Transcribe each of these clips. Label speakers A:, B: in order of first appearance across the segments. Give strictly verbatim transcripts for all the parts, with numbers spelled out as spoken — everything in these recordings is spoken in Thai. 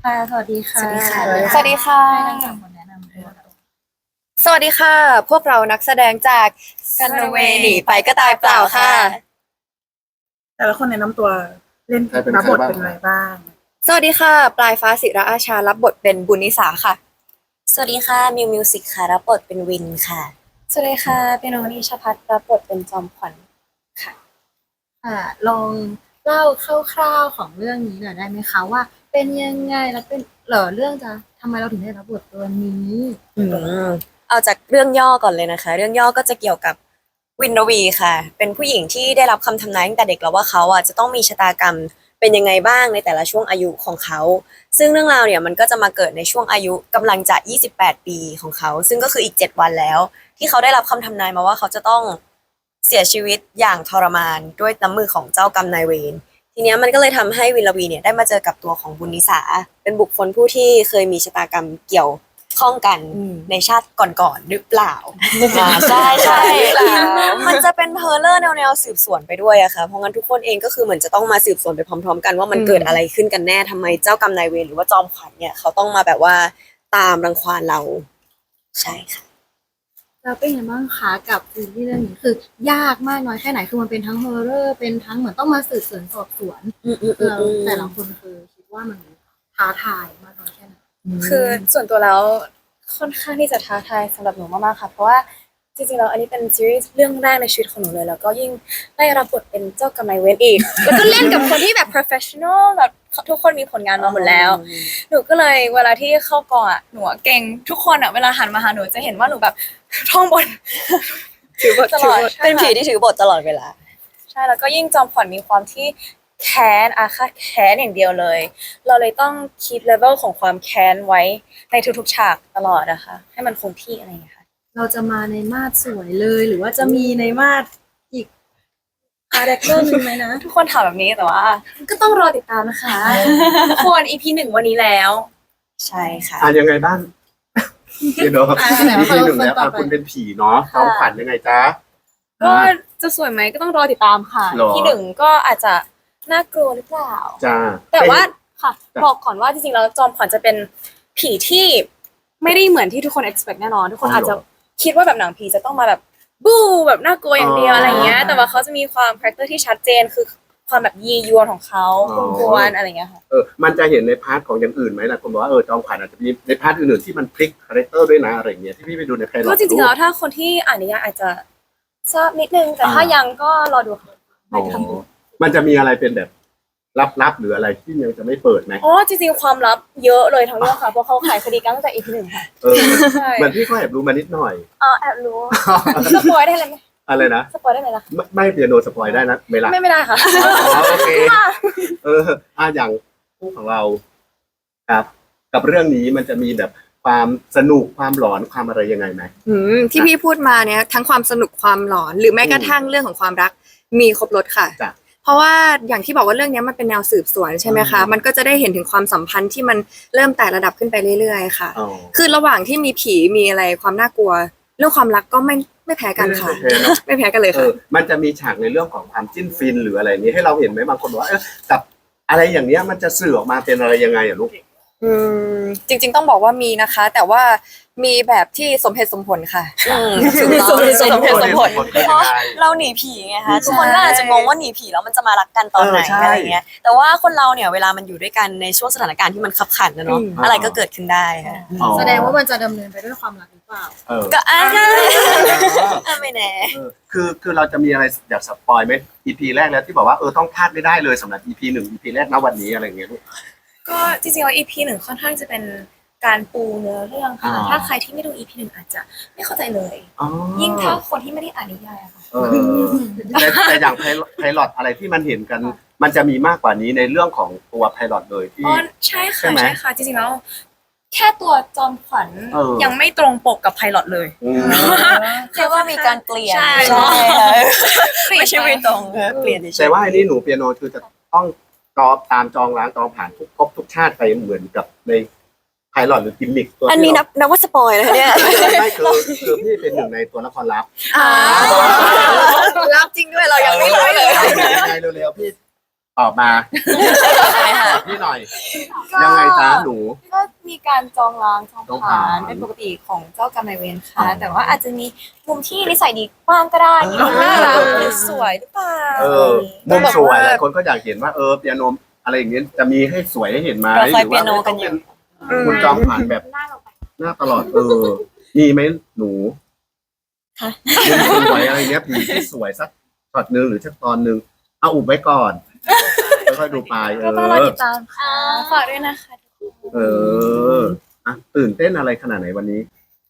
A: ค่ะสวัสดีค่ะ
B: สวัสดีค่ะ
C: สวัสดีค่ะ
A: ให้ทั้งสามคนแนะนำตัว
C: สวัสดีค่ะ พวกเรานักแสดงจากกันเวหนีไปก็ตายเปล่าค่ะ
A: แต่ละคนแนะนำตัวเล่น
B: ใครเป็น
A: รับบท
B: ใครบ้าง
A: เป็นอะไรบ้าง
C: สวัสดีค่ะ ปลายฟ้าศิระอาชารับบทเป็นบุญนิสาค่ะ
D: สวัสดีค่ะมิวมิวสิกค่ะรับบทเป็นวินค่ะ
C: สวัสดีค่ะเป็นโนนิชพัฒน์รับบทเป็นจอมขวัญ
A: ค่ะลองเล่าคร่าวๆของเรื่องนี้หน่อยได้ไหมคะว่า เป็นยังไงแล้วเป็นเหรอเรื่องจะทำไมเราถึงได้รับบทตัวนี้
D: อืมเอาจากเรื่องย่อก่อนเลยนะคะ เรื่องย่อก็จะเกี่ยวกับวินรวีค่ะ เป็นผู้หญิงที่ได้รับคำทำนายตั้งแต่เด็กแล้วว่าเขาอ่ะจะต้องมีชะตากรรมเป็นยังไงบ้างในแต่ละช่วงอายุของเขา ซึ่งเรื่องราวเนี่ยมันก็จะมาเกิดในช่วงอายุกำลังจะยี่สิบแปดปีของเขา ซึ่งก็คืออีกเจ็ดวันแล้ว ที่เขาได้รับคำทำนายมาว่าเขาจะต้องเสียชีวิตอย่างทรมานด้วยน้ำมือของเจ้ากรรมนายเวร ทีเนี้ยมันก็เลยทำให้วินลวีเนี่ยได้มาเจอกับตัวของบุญนิสา เป็นบุคคลผู้ที่เคยมีชะตากรรมเกี่ยวข้องกันในชาติก่อนๆหรือเปล่า อ่าใช่ใช่มันจะเป็นเพอเลอร์แนวๆสืบสวนไปด้วยอะค่ะเพราะงั้นทุกคนเองก็คือเหมือนจะต้องมาสืบสวนไปพร้อมๆกันว่ามันเกิดอะไรขึ้นกันแน่ทำไมเจ้ากรรมนายเวรหรือว่าจอมขวัญเนี่ยเขาต้องมาแบบว่าตามรังควานเราใช่ค่ะ
A: แล้วเป็นยังไงบ้างคะกับซีรีส์เรื่องนี้คือยากมากน้อยแค่ไหนคือมันเป็นทั้งฮอร์เรอร์เป็นทั้งเหมือนต้องมาสืบสวนสอบสวน
D: อืมอืมอืม
A: เรา
D: อืม
A: แต่ละคนคือคิดว่ามันท้าทายมากน้อยแค่ไหน
C: คือส่วนตัวแล้วค่อนข้างที่จะท้าทายสำหรับหนูมากๆค่ะ เพราะว่าจริงๆแล้วอันนี้เป็นซีรีส์เรื่องแรกในชีวิตของหนูเลย แล้วก็ยิ่งได้รับบทเป็นเจ้ากรรมนายเวรอีก แล้วก็เล่นกับคนที่แบบ professional แบบทุกคนมีผลงานมาหมดแล้ว หนูก็เลยเวลาที่เข้ากองอ่ะหนูอะเก่งทุกคนอ่ะเวลาหันมาหาหนูจะเห็นว่าหนูแบบ ท่องบท
D: ถือบท
C: ตลอดใช่
D: เป็นผี
C: ค่ะ
D: ที่ถือบทตลอดเวลา
C: ใช่แล้วก็ยิ่งจอมขวัญมีความที่แค้นอาฆาตแค้นอย่างเดียวเลย เราเลยต้องคีปเลเวลของความแค้นไว้ในทุกๆฉากตลอดนะคะให้มันคงที่อะไรอย่างเงี้ยค่ะ
A: เราจะมาในมาดสวยเลย หรือว่าจะมีในมาดอีกคาแรคเตอร์หนึ่งไหมนะ
C: ทุกคนถามแบบนี้แต่ว่า ก็ต้องรอติดตามนะคะ ทุกคน อี พี หนึ่งวันนี้แล้ว
D: ใช่ค่ะ
B: อ่ะยังไงบ้างเดี๋ยวเนาะ
A: อ่ะไหน
B: อี
A: ว่า
B: พีหนึ่ง
A: คน
B: แล้ว
A: ต่อ
B: อ่ะ
A: ไป
B: คุณเป็นผีเนาะจอมขวัญยังไงจ๊ะ
C: ก็จะสวยไหมก็ต้องรอติดตามค่ะ
B: หรอ
C: ที่หนึ่งก็อาจจะน่ากลัวหรือเปล่า
B: จ้า
C: แต่ว่าค่ะ
B: จ้ะ
C: บอกก่อนว่าจริงๆแล้วจอมขวัญจะเป็นผีที่ไม่ได้เหมือนที่ทุกคน expect แน่นอน ทุกคนอาจจะคิดว่าแบบหนังผีจะต้องมาแบบบู๊แบบน่ากลัวอย่างเดียวอะไรเงี้ย แต่ว่าเขาจะมีความคาแรคเตอร์ที่ชัดเจนคือความแบบยียวนของเขากวนๆอะไรเงี้ยค่ะ
B: เออมันจะเห็นในพาร์ทของอย่างอื่นไหมล่ะคุณบอกว่าเออจอมขวัญอาจจะมีในพาร์ทอื่นๆที่มันพลิกคาแรคเตอร์ด้วยนะอะไรอย่างเงี้ยที่พี่ไปดูในไพลอต
C: ก็จริงๆแล้วถ้าคนที่อ่านนิยายอาจจะทราบนิดนึง แต่ถ้ายังก็รอดูค่ะ
B: อ๋อมันจะมีอะไรเป็นแบบลับๆหรืออะไรที่ยังจะไม่เปิดไหม
C: อ๋อจริงๆความลับเยอะเลยทั้งเรื่องค่ะเพราะเขาขายคดีกันตั้งแต่ อี พี หนึ่งค่ะ
B: เออ
C: ใช่
B: เหมือนพี่ก็แอบรู้มานิดหน่อย
C: อ๋อแอบรู้สปอยได้เลยไหม
B: อะไรนะ
C: สปอยได้ไหมล่ะ
B: ไม่ไม่เปียโนสปอยได้นะเวลา
C: ไม่ไม่ได้ค่ะ
B: อ๋อโอเคเอออ่ะอย่างคู่ของเราครับ กับเรื่องนี้มันจะมีแบบความสนุกความหลอนความอะไรยังไงไหม
C: อืมที่พี่พูดมาเนี่ยทั้งความสนุกความหลอน หรือแม้กระทั่งเรื่องของความรักมีครบรถค่ะ
B: จ้ะ
C: เพราะว่าอย่างที่บอกว่าเรื่องนี้มันเป็นแนวสืบสวนใช่ไหมคะ
B: อืม
C: มันก็จะได้เห็นถึงความสัมพันธ์ที่มันเริ่มแต่ระดับขึ้นไปเรื่อยๆค่ะ
B: อ๋อ
C: คือระหว่างที่มีผีมีอะไรความน่ากลัว เรื่องความรักก็ไม่ไม่แพ้กันค่ะ
B: ไม่แพ้เนอะ
C: ไม่แพ้กันเลย
B: เอ
C: ค่ะ
B: อมันจะมีฉากในเรื่องของความจิ้นฟินหรืออะไรนี้ให้เราเห็นไหมบางคนบอกว่าเออกับอะไรอย่างเนี้ยมันจะสื่อออกมาเป็นอะไรยังไงอ่ะลูก
C: อืมจริงๆต้องบอกว่ามีนะคะ แต่ว่ามีแบบที่สมเหตุสมผลค่ะ
D: อืม
C: สมเหตุสมผล
D: สมเหตุสมผล
B: สมเหตุสมผล
D: เพราะเราหนีผีไงคะทุกคนก็อาจจะงงว่าหนีผีแล้วมันจะมารักกันตอนไหน
B: เออใช่
D: อะไรเงี้ย แต่ว่าคนเราเนี่ยเวลามันอยู่ด้วยกันในช่วงสถานการณ์ที่มันขับขันนะเนาะ
C: อืม
D: อะไรก็เกิดขึ้นได้ค่ะ
B: อ๋อ
A: แสดงว่ามันจะดำเนินไปด้วยความรักหรือเปล่า
B: เออ
D: ก็อ่า
B: เออ
D: อ่ะไม่แน่
B: เออคือคือเราจะมีอะไรอยากสปอยไหม อี พี แรกแล้วที่บอกว่าเออต้องพลาดไม่ได้เลยสำหรับ อี พี หนึ่ง อี พี แรกณวันนี้อะไรอย่างเงี้ยลูก
C: ก็จริงๆแล้ว อี พี หนึ่งค่อนข้างจะเป็นการปูเนื้อเรื่องค่ะ
B: อ๋อ
C: ถ้าใครที่ไม่ดู อี พี หนึ่งอาจจะไม่เข้าใจเลย
B: อ๋อ
C: ยิ่งถ้าคนที่ไม่ได้อ่านนิยายอะค่ะ
B: เออแต่แต่อย่างไพไพลอตอะไรที่มันเห็นกัน มันจะมีมากกว่านี้ในเรื่องของตัวไพลอตเลยที่
C: อ๋อใช่
B: ใช่
C: ค่ะ
B: ไหม
C: ใช่ค่ะจริงๆแล้วแค่ตัวจอมขวัญ
B: เออ
C: ยังไม่ตรงปกกับไพลอตเลย
B: อืม
D: แค่ว่ามีการเปลี่ยน
C: ใช่
D: ใช่ค่ะ
C: เปลี่ยน
D: ไม่ใช่ไม่ตรงเออเปลี่ยนเฉยๆ
B: แต่ว่าอันนี้หนูเปียโนคือจะต้องจอบตามจองล้างจองผ่านทุกภพทุกชาติไปเหมือนกับในไพลอตหรือกิมมิคตัว
D: อันนี้นับนับว่าสปอยเลยเนี่ย
B: ไม่คือคือพี่เป็นหนึ่งในตัวละครลับ
C: อ่ารับจริงด้วยเรายังไม่รู้เลย
B: ยังไงเร็วๆพี่ตอบมา
D: ใช่ไหมค
B: พี่หน่อย ยังไงจ้าหนู
C: ก็มีการจองล้างจอง
B: จอง
C: ผ่า
B: ผ่าน
C: นเป็นปกติของเจ้ากรรมนายเวรค่ะ
B: อ๋อ
C: แต่ว่าอาจจะมีมุมที่นิสัยดีบ้างก็ได้มีมุมน่ารัก
B: เออ
C: หรือสวยหรือเปล่า
B: เออมุมสวยหลายคนก็อยากเห็นว่าเออเปียโนอะไรอย่างเงี้ยจะมีให้สวยให้เห็นไหม
D: เรา
B: ห
D: คอย
B: รือ
D: เปี
B: ว่าย
D: โน
B: ไม่
D: กั
B: ต้อน ง
D: อยู่
B: เป็นคุณจอมผ่านแบบ
C: หน้าเราไป
B: หน้าตลอดเออมีไหมหนู
D: ค่ะ
B: มุมสวยอะไรเงี้ยผีที่สวยสักช็อตหนึ่งหรือสักตอนหนึ่งเอาอุบไว้ก่อนค่อยๆดูไปเอ
C: ก็ต้องรอ
B: อ
C: ติดตามค่ะฝากด้วยนะคะ
B: เอออ่ะตื่นเต้นอะไรขนาดไหนวันนี้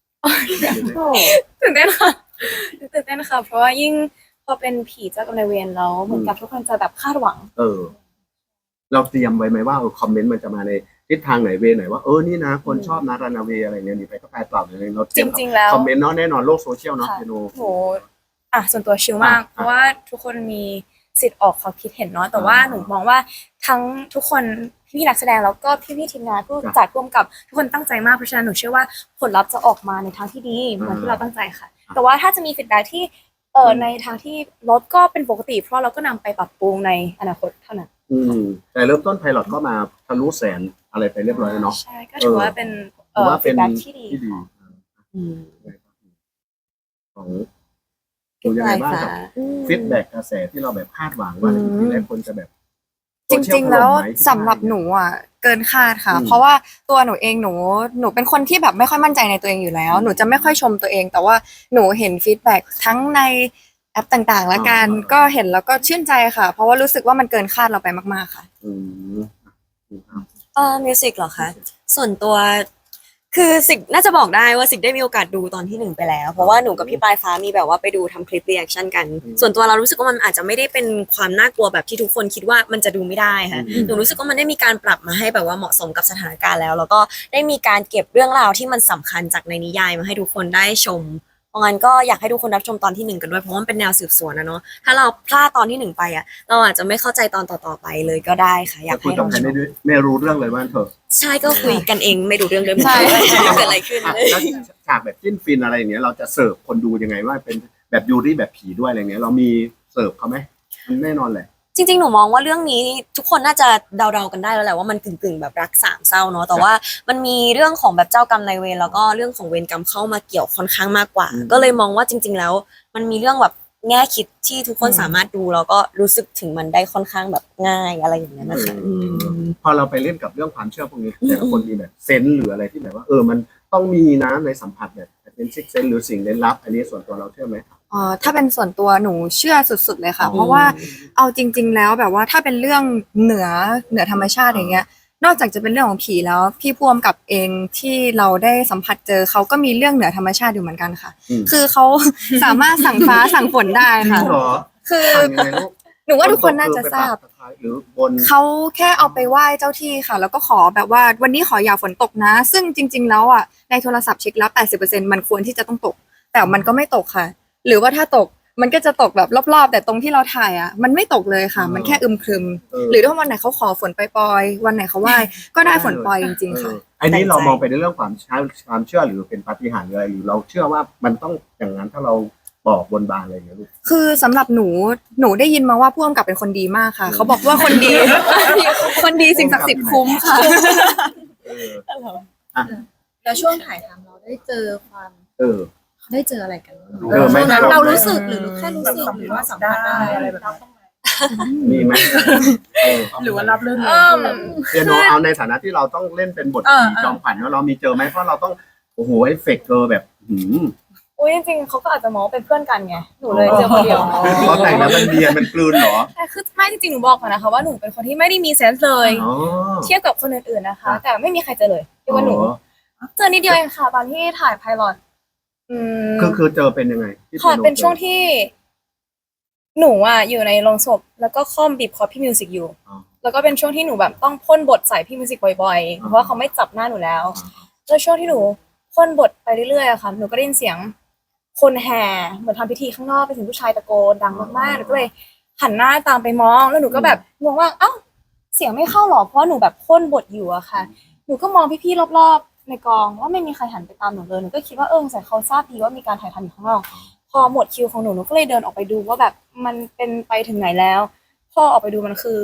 C: ตื่นเต้นค่ะตื่นเต้นค่ะ เพราะว่ายิ่งพอเป็นผีเจ้ากรรมนายเวรแล้วเหมือนกับทุกคนจะแบบคาดหวัง
B: เออ เราเตรียมไว้ไหมว่าเออคอมเมนต์มันจะมาในทิศทางไหนเวไหนว่าเออนี่นะคนชอบนารานาเวอะไรเนี่ยนี่ไปก็กลายเปล่าเลยเราเต
C: จ
B: รียม
C: ริง ๆ แล้ว
B: คอมเมนต์เนาะแน่นอนโลกโซเชียลเนาะ
C: ค่ะ
B: เปียโน
C: โหอ่ะส่วนตัวชิลมาก
B: อ่ะ
C: เพราะว่าทุกคนมีสิทธิ์ออกความคิดเห็นเนาะแต่ว่า
B: อ่า
C: หนูมองว่าทั้งทุกคนพี่ๆนักแสดงแล้วก็พี่ๆทีมงานผู้
B: จ้ะ
C: จัดร่วมกับทุกคนตั้งใจมากเพราะฉะนั้นหนูเชื่อว่าผลลัพธ์จะออกมาในทางที่ดีเหมือนที่เราตั้งใจค่ะ แต่ว่าถ้าจะมีฟีดแบ็กที่เอ่อในทางที่ลดก็เป็นปกติ เพราะเราก็นำไปปรับปรุงในอนาคตเท่านั้น
B: อืมแต่เริ่มต้นไพลอตก็มาทะลุแสนอะไรไปเรียบร้อยแล้วเนาะ
C: ใช่ก็ถือว่าเป็น
B: ถือว่า
C: ฟี
B: เป็
C: ด
B: น
C: แบ็กที่ดี
B: ที่ดี
C: ค่ะ
D: อืม
B: ของดูยังไงบ้างกับฟีดแบ็กกระแสที่เราแบบคาดหวังว่าในอีพีแรกคนจะแบบ
A: จริงๆ แล้ว
B: โซเชียถมไหม
A: สำหรับหนูอ่ะเกินคาดค่ะ
B: อืม
A: เพราะว่าตัวหนูเองหนูหนูเป็นคนที่แบบไม่ค่อยมั่นใจในตัวเองอยู่แล้ว หนูจะไม่ค่อยชมตัวเอง แต่ว่าหนูเห็นฟีดแบ็กทั้งในแอปต่างๆ แล้วกันก็เห็นแล้วก็ชื่นใจค่ะ เพราะว่ารู้สึกว่ามันเกินคาดเราไปมากๆค่ะ
B: อืม
D: เออมิวสิกเหรอคะ ส่วนตัวคือสิกน่าจะบอกได้ว่าสิกได้มีโอกาสดูตอนที่หนึ่งไปแล้ว เพราะว่าหนูกับพี่ปลายฟ้ามีแบบว่าไปดูทำคลิปรีแอคชั่นกัน
B: อืม
D: ส่วนตัวเรารู้สึกว่ามันอาจจะไม่ได้เป็นความน่ากลัวแบบที่ทุกคนคิดว่ามันจะดูไม่ได้ค่ะ
B: อืม
D: หนูรู้สึกว่ามันได้มีการปรับมาให้แบบว่าเหมาะสมกับสถานการณ์แล้ว แล้วก็ได้มีการเก็บเรื่องราวที่มันสำคัญจากในนิยายมาให้ทุกคนได้ชม เพราะงั้นก็อยากให้ทุกคนรับชมตอนที่หนึ่งกันด้วยเพราะว่ามันเป็นแนวสืบสวนนะเนาะ ถ้าเราพลาดตอนที่หนึ่งไปอ่ะ เราอาจจะไม่เข้าใจตอนต่อๆไปเลยก็ได้ค่ะ อยาก
B: คุ
D: ให้
B: ยกับ
D: ลอง
B: ใคร
D: ช
B: ไม่
D: ม
B: รู้ไม่รู้เรื่องเลยว่าเถอะ
D: ใช่ก็คุยกันเองไม่ดูเรื่องเลย
A: ใช่
D: เกิดอะไรขึ้น
B: อ่ะแล้วฉากแบบจิ้นฟินอะไรอย่างเงี้ยเราจะเสิร์ฟคนดูยังไงว่าเป็นแบบยูรี่แบบผีด้วยอะไรเงี้ยเรามีเสิร์ฟเขาไหมมันแน่นอนแหละ
D: จริงๆ หนูมองว่าเรื่องนี้ทุกคนน่าจะเดาๆ กันได้แล้วแหละว่ามันกึ่งๆ แบบรักสามเศร้าเนาะ แต่ว่ามันมีเรื่องของแบบเจ้ากรรมนายเวรแล้วก็เรื่องของเวรกรรมเข้ามาเกี่ยวค่อนข้างมากกว่า
B: อืม
D: ก็เลยมองว่าจริง ๆ แล้ว มันมีเรื่องแบบแง่คิดที่ทุกคน
A: อืม
D: สามารถดูแล้วก็รู้สึกถึงมันได้ค่อนข้างแบบง่ายอะไรอย่างเงี้ยนะคะ
B: เออพอเราไปเล่นกับเรื่องความเชื่อพวกนี้แต่ละคนมีแบบเซนส์หรืออะไรที่แบบว่าเออมันต้องมีนะในสัมผัสแบบเป็นซิกเซนหรือสิ่งลี้ลับ อันนี้ส่วนตัวเราเชื่อไหม
A: เอ่อถ้าเป็นส่วนตัวหนูเชื่อสุดๆเลยค่ะ
B: อืม
A: เพราะว่าเอาจริง ๆ แล้วแบบว่าถ้าเป็นเรื่องเหนือเหนือธรรมชาติอย่างเงี้ย นอกจากจะเป็นเรื่องของผีแล้วพี่พ่วงกับเองที่เราได้สัมผัสเจอเขาก็มีเรื่องเหนือธรรมชาติอยู่เหมือนกันค่ะ
B: อืม
A: คือเขา สามารถสั่งฟ้าสั่งฝนได้
B: จริ
A: ค่ะ
B: งเหรอ
A: คือ
B: สั่งยังไงลูก
A: หนูว่าทุกคนน่าจะทราบ
B: ฝนตกคือไปปักตะไคร้หรือบน
A: เขาแค่เอาไปไหว้เจ้าที่ค่ะ แล้วก็ขอแบบว่าวันนี้ขออย่าฝนตกนะ ซึ่งจริง ๆ แล้วอ่ะในโทรศัพท์เช็คแล้ว แปดสิบเปอร์เซ็นต์ มันควรที่จะต้องตก แต่มันก็ไม่ตกค่ะ หรือว่าถ้าตกมันก็จะตกแบบรอบๆ แต่ตรงที่เราถ่ายอ่ะมันไม่ตกเลยค่ะ มันแค่อึมครึม
B: เออ
A: หรือถ้าวันไหนเขาขอฝนปล่อยๆวันไหนเขาไหว้ก็ได้ฝนปล่อยจริง ๆ ค่ะ
B: เอออันนี้เรามองไปในเรื่องความเชื่อความเชื่อหรือเป็นปาฏิหาริย์หรืออะไรหรือเราเชื่อว่ามันต้องอย่างนั้นถ้าเราบอกบนบานอะไรอย่างเงี้ยลูก
A: คือสำหรับหนูหนูได้ยินมาว่าผู้กำกับเป็นคนดีมากค่ะ เขาบอกว่าคนดี คนดีสิ่งศักดิ์สิทธิ์คุ้มค่ะ
B: เออ
A: แล้วช่วงถ่ายทำเราได้เจอความ
B: เออ
A: ได้เจออะไรกันบ้าง
B: เออไม่
A: ช่วงนั้น
B: เรา
A: เรารู้สึกหรือแค่รู้สึกหรือว่าสัมผัสได้อะไรแบบนั้น
B: มีไหมเออ
E: หรือว่ารับเรื่อง
C: เอิ่ม
B: เปียโนเอาในฐานะที่เราต้องเล่นเป็นบท
E: เออ
B: ผีจอมขวัญว่าเรามีเจอไหมเพราะเราต้องโอ้โหเอฟเฟกต์เธอแบบหืม
C: อุ้ยจริงๆเขาก็อาจจะมองว่าเป็นเพื่อนกันไงหนูเลยเจอคนเดียว
B: เพราะแต่งแล้วมันเนียนมันกลืนเหรอ
C: แต่คือไม่จริงๆหนูบอกก่อนนะคะว่าหนูเป็นคนที่ไม่ได้มีเซนส์เลย
B: อ๋อ
C: เทียบกับคนอื่นๆนะคะ
B: อ่ะ
C: แต่ไม่มีใครเจอเลยยกเว้นหนู เจอนิดเดียวเองค่ะตอนที่ถ่ายไพลอตอืม
B: คือคือเจอเป็นยังไงที่
C: ค่ะ
B: โ
C: เป็นช่วงที่ หนูอ่ะอยู่ในโรงศพแล้วก็ค่อมบีบคอพี่มิวสิกอยู่
B: อ๋อ
C: แล้วก็เป็นช่วงที่หนูแบบต้องพ่นบทใส่พี่มิวสิกบ่อยๆ เพราะว่าเขาไม่จับหน้าหนูแล้ว แล้วช่วงที่หนูพ่นบทไปเรื่อยๆอะค่ะ หนูก็ได้ยินเสียง คนแห่เหมือนทำพิธีข้างนอกเป็นเสียงผู้ชายตะโกนดังมากๆหนูก็เลยหันหน้าตามไปมอง แล้วหนูก็แบบงงว่าเอ้าเสียงไม่เข้าหรอเพราะหนูแบบพ่นบทอยู่อะค่ะ หนูก็มองพี่ๆรอบๆในกองว่าไม่มีใครหันไปตามหนูเลยหนูก็คิดว่าเออสงสัยเขาทราบดีว่ามีการถ่ายทำอยู่ข้างนอก พอหมดคิวของหนูหนูก็เลยเดินออกไปดูว่าแบบมันเป็นไปถึงไหนแล้ว พอออกไปดูมันคือ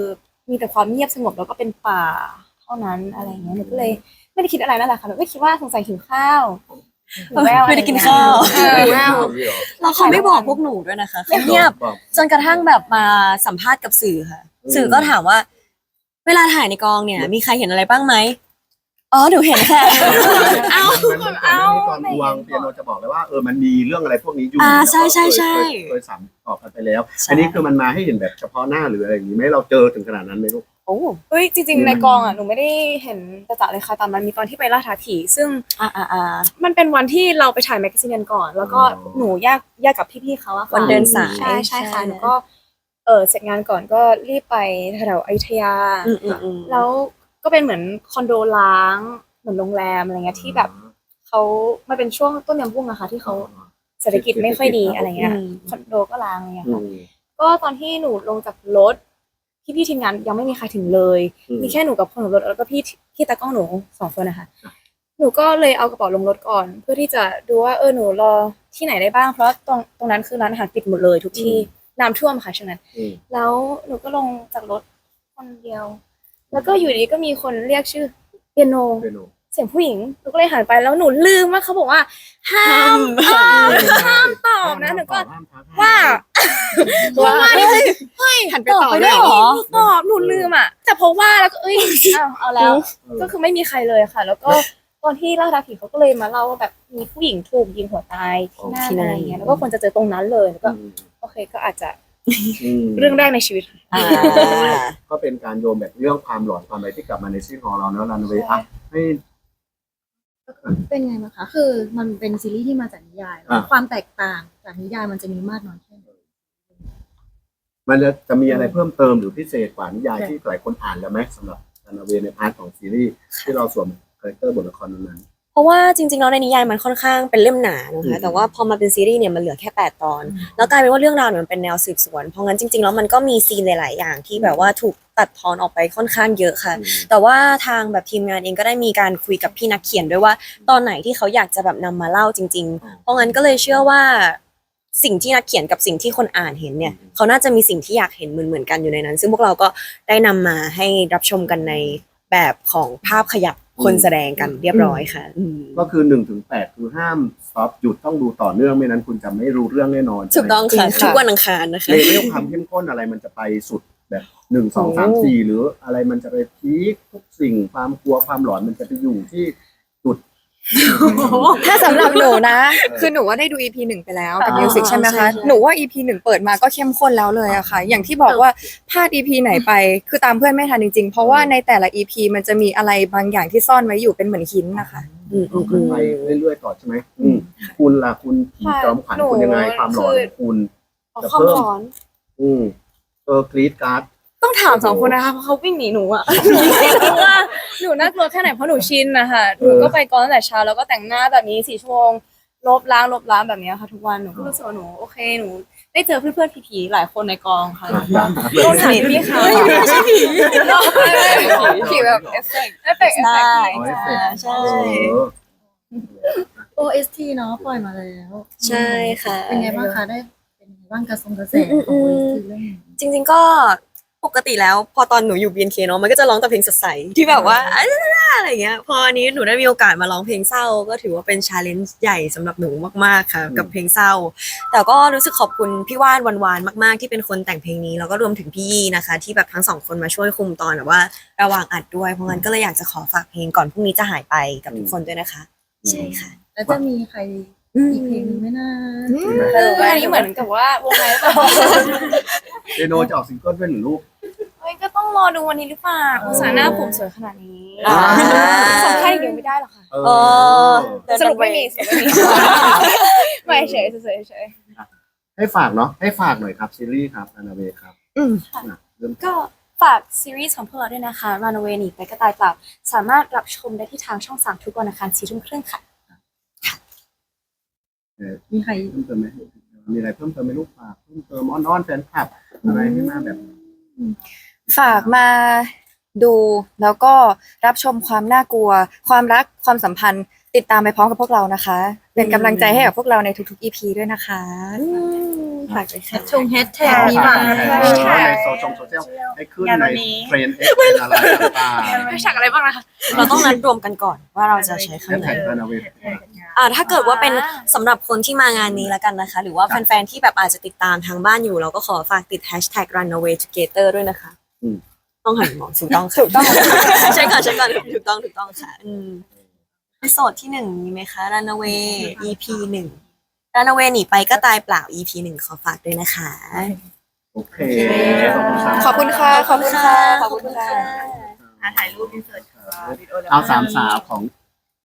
C: มีแต่ความเงียบสงบแล้วก็เป็นป่าเท่านั้นอะไรอย่างเงี้ยหนูก็เลยไม่ได้คิดอะไรนั่นแหละค่ะหนูก็คิดว่าสงสัยหิวข้าวหิวแวว
D: ไม่ได้กินข้าว
C: เออแวว
D: แล้วเขาไม่บอกพวกหนูด้วยนะคะเขาเงียบ
B: บอก
D: จนกระทั่งแบบมาสัมภาษณ์กับสื่อค่ะ
B: อืม
D: สื่อก็ถามว่า เวลาถ่ายในกองเนี่ย มีใครเห็นอะไรบ้างไหมอ๋อหนูเห็นค่ะ
B: เอ้ามันเอาตอนวางเปียโนจะบอกเลยว่าเออมันมีเรื่องอะไรพวกนี้อยู่
D: อ่า
B: แล้วก็
D: ใช่ใช่ใช่
B: เคยเคยสามตอบกันไปแล้ว
D: ใช่
B: อันนี้คือมันมาให้เห็นแบบเฉพาะหน้าหรืออะไรอย่างนี้ไหมเราเจอถึงขนาดนั้นไหมลูก
D: โอ้
C: เฮ้ยจริงๆในกองอ่ะหนูไม่ได้เห็นจะๆเลยค่ะแต่มันมีตอนที่ไปล่าท้าผีซึ่ง
D: อ่าอ่าอ่า
C: มันเป็นวันที่เราไปถ่ายแมกกาซีนกันก่อน แล้วก็
B: อ๋อ
C: หนูแยกแยกกับพี่ๆเขาอะค่ะ
D: วันเดินสาย
C: ใช่ใช่ค่ะ
D: ใช่
C: หนูก็เออเสร็จงานก่อนก็รีบไปแถวๆอยุธยา
D: อืมอืมอืม
C: แล้วก็เป็นเหมือนคอนโดล้างเหมือนโรงแรมอะไรเงี้ยที่แบบเขามันเป็นช่วงต้นยำบุ้งอะค่ะที่เขาเศรษฐกิจไม่ค่อยดีอะไรเงี้ย
D: อืม
C: คอนโดก็ล้างอะไรเงี้ย
B: อื
C: ค่ะ
B: ม
C: ก็ตอนที่หนูลงจากรถพี่พี่ๆทีมงานยังไม่มีใครถึงเลย
B: อืม
C: มีแค่หนูกับคนขับรถแล้วก็พี่พี่ตากล้องหนูสองคนนะคะ หนูก็เลยเอากระเป๋าลงรถก่อน เพื่อที่จะดูว่าเออหนูรอที่ไหนได้บ้างเพราะตรงตรงนั้นคือร้านอาหารปิดหมดเลยทุกที่น้ำท่วมค่ะช่วงนั้น
B: อืม
C: แล้วหนูก็ลงจากรถคนเดียว แล้วก็อยู่ดีก็มีคนเรียกชื่อเปียโน
B: เปียโน
C: เสียงผู้หญิงหนูก็เลยหันไปแล้วหนูลืมว่าเขาบอกว่าห้ามตอบห้ามตอบนะหนูก็
B: ห้ามทัก
C: ว่าว่าว่านี่คือเฮ้ย
A: หันไปตอบด้วยเหรอ
C: หนูตอบหนูลืมอ่ะแต่เพราะว่าแล้วก็เอ้ยอ้าวเอาแล้ว ก็คือไม่มีใครเลยค่ะ แล้วก็ตอนที่ล่าท้าผีเขาก็เลยมาเล่าว่าแบบมีผู้หญิงถูกยิงหัวตายที่นั่น
D: ที่นั่
C: อะ
D: น
C: ไรเงี้ยแล้วก็ควรจะเจอตรงนั้นเลยแล้วก็
B: อืม
C: โอเคก็อาจจะ
B: อืม
C: เรื่องแรกในชีวิต
D: อ่า
B: ก็เป็นการโยมแบบเรื่องความหลอนความอะไรที่กลับมาในซีรีส์ของเราเนอะรันเวย์อ่ะให้
E: เป็นไงบ้างคะ คือมันเป็นซีรีส์ที่มาจากนิยายแล้ว
B: อ่ะ
E: ความแตกต่างจากนิยายมันจะมีมากน้อยแค่ไหน
B: มันจะจะมีอะไรเพิ่มเติมหรือพิเศษกว่านิยายที่หลายคนอ่านแล้วไหมสำหรับรันเวย์ในพาร์ทของซีรีส์ที่เราสวมคาแรคเตอร์บทละครนั้น
D: เพราะว่าจริงๆแล้วในนิยายมันค่อนข้างเป็นเล่มหนานะ
B: อื
D: คะ
B: ม
D: แต่ว่าพอมาเป็นซีรีส์เนี่ยมันเหลือแค่แปดตอน แล้วกลายเป็นว่าเรื่องราวเนี่ยมันเป็นแนวสืบสวน เพราะงั้นจริงๆแล้วมันก็มีซีนหลายๆอย่างที่แบบว่าถูกตัดทอนออกไปค่อนข้างเยอะค่ะ
B: อืม
D: แต่ว่าทางแบบทีมงานเองก็ได้มีการคุยกับพี่นักเขียนด้วยว่า ตอนไหนที่เขาอยากจะแบบนำมาเล่าจริง ๆ เพราะงั้นก็เลยเชื่อว่า สิ่งที่นักเขียนกับสิ่งที่คนอ่านเห็นเนี่ย
B: อืม เขา
D: เขาน่าจะมีสิ่งที่อยากเห็นเหมือนๆกันอยู่ในนั้น ซึ่งพวกเราก็ได้นำมาให้รับชมกันในแบบของภาพขยับคนแสดงกันเรียบร้อยค่ะอืม
B: ก็คือหนึ่งถึงแปดคือห้ามสต็อปหยุดต้องดูต่อเนื่องไม่นั้นคุณจะไม่รู้เรื่องแน่นอน
D: ถูกต้องค่ะ
A: จริงค่ะ
D: ทุกวันอังคารนะคะ
B: เลเวลความเข้มข้นอะไรมันจะไปสุดแบบหนึ่งสองสามสี่หรืออะไรมันจะไปพีคทุกสิ่งความกลัวความหลอนมันจะไปอยู่ที่จุด
A: ถ้าสำหรับหนูนะ
B: เออ
A: คือหนูว่าได้ดู อี พี หนึ่งไปแล้วกับ
D: อ่า
A: มิวสิกใช่ไหม
D: ใช่
A: คะ
D: ใช่
A: หนูว่า อี พี หนึ่งเปิดมาก็เข้มข้นแล้วเลยอะค่ะ อย่างที่บอกว่าพลาด อี พี ไหนไป คือตามเพื่อนไม่ทันจริงๆ เพราะว่าในแต่ละ อี พี มันจะมีอะไรบางอย่างที่ซ่อนไว้อยู่เป็นเหมือนหินนะคะ
D: อืมอืม
B: ขึ้
D: อื
B: น
D: ม
B: ไปเรื่อยๆต่อใช่ไหมอืมคุณล่ะคุณผีจอมขวัญคุณยังไงความหลอนของคุณ
C: เอา
B: จะ
C: ความ
B: เพิ่ม
C: ร้อน
B: อืมเออกรีดการ์ด
C: ต้องถามสองคนนะคะเพราะเขาวิ่งหนีหนูอะว่าหนูน่ากลัวแค่ไหนเพราะหนูชินนะคะหนูก็ไปกองตั้งแต่เช้าแล้วก็แต่งหน้าแบบนี้สี่ชั่วโมงลบล้างลบล้างแบบนี้ค่ะ ทุกวันหนูก็รู้สึกว่าหนูโอเคหนูได้เจอเพื่อนๆผีๆหลายคนในกองค่ะโดนถามพี่เขาไม่ใช่ผี
A: ผีแบบเอฟเฟกต์
C: เอฟเฟกต์เอฟเฟกต์
D: ได้
B: อ๋อเอฟเฟกต์
D: ใช่
B: เออ
E: โอ เอส ที เนาะปล่อยมาแล้ว
D: ใช่ค่ะ
E: เป็นไงบ้างคะได้เป็นไงบ้างกระทรงกระแส
D: อืม
E: ของ
D: อื
E: โอ
D: ม
E: เอสทีเรื่องนี้
D: จริงๆก็ปกติแล้วพอตอนหนูอยู่ บี เอ็น เค เนาะมันก็จะร้องแต่เพลงสดใสที่แบบว่าอะไรอย่างเงี้ยพออันนี้หนูได้มีโอกาสมาร้องเพลงเศร้า ก็ถือว่าเป็นชาเลนจ์ใหญ่สำหรับหนูมากๆค่ะ กับเพลงเศร้า แต่ก็รู้สึกขอบคุณพี่ว่านวันวานมากๆ ที่เป็นคนแต่งเพลงนี้แล้วก็รวมถึงพี่ยี่นะคะ ที่แบบทั้งสองคนมาช่วยคุมตอนแบบว่าระหว่างอัดด้วยเพราะงั้นก็เลยอยากจะขอฝากเพลงก่อนพรุ่งนี้จะหายไปกับทุกคนด้วยนะคะ ใช่ค่ะ
E: แล้วจะมีใครอีกเพลงหนึงไหมนะ
C: คืออันนี้เหมือนกับว่าวงไหนหรือเปล่า
B: เดโนจะออกซิงเกิลด้วยหนึ่งลูก
C: เฮ้ยก็ต้องรอดูวันนี้หรือเปล่าอุตส่าห์หน้าผมสวยขนาดนี้
D: อ่า
C: สำคัญอย่างเดียวไม่ได้หรอกค่ะ
B: เออ
D: เออ
C: สรุปไม่มีสรุปไม่มีไม่เฉยเฉยเฉย
B: ให้ฝากเนาะให้ฝากหน่อยครับซีรีส์ครับอนาเวครับ
A: อืม
B: อ่ะเริ่ม
C: ก็ฝากซีรีส์ของพวกเราด้วยนะคะ Runaway หนีไปกระต่ายเปล่าสามารถรับชมได้ที่ทางช่องสามทุกวันอังคารสี่ทุ่มครึ่งค่ะ
B: เออ
E: มีใคร
B: เพิ่มเติมไหมมีอะไรเพิ่มเติมไหมลูกฝากเพิ่มเติมอ้อนๆแฟนคลับอะไรให้มาแบบ
A: ฝากมาดูแล้วก็รับชมความน่ากลัว ความรักความสัมพันธ์ติดตามไปพร้อมกับพวกเรานะคะ ในเป็นกำลังใจให้กับพวกเราในทุกๆ อี พี ด้วยนะคะฝากด้วยค่ะ
E: ชงแฮชแท็กนี้มา
B: ในโซเชียลโซเชียลให้ขึ้นในเทรนด์เอ็กซ์อะไรต่างๆ
C: ไม่ฉักอะไรบ้างนะคะ
D: เราต้องนัดรวมกันก่อนว่าเราจะใช้
B: แฮ
D: คำ
B: ช
D: ไหน
B: แท็กรันเวย์
D: อ่าถ้าเกิดว่าเป็นสำหรับคนที่มางานนี้แล้วกันนะคะ หรือว่าแฟนๆที่แบบอาจจะติดตามทางบ้านอยู่ เราก็ขอฝากติด hashtag runaway together ด้วยนะคะ
B: อืม
D: ต้องหันมองถูกต้องถูกต้อง ใช่ค่ะใช่ค่ะถูกต้องถูกต้องค่ะอืมในโซดที่หนึ่งมีไหมคะ runaway อี พี หนึ่ง runaway หนีไปก็ตายเปล่า อี พี หนึ่งขอฝากด้วยนะคะ
B: โอเคขอบคุณครับ
A: ขอบคุณค่ะ ขอบคุณค่ะ ขอบคุณค่ะ
E: ถ่ายรูปอินเสิร์ต
B: เอาสามสาวของ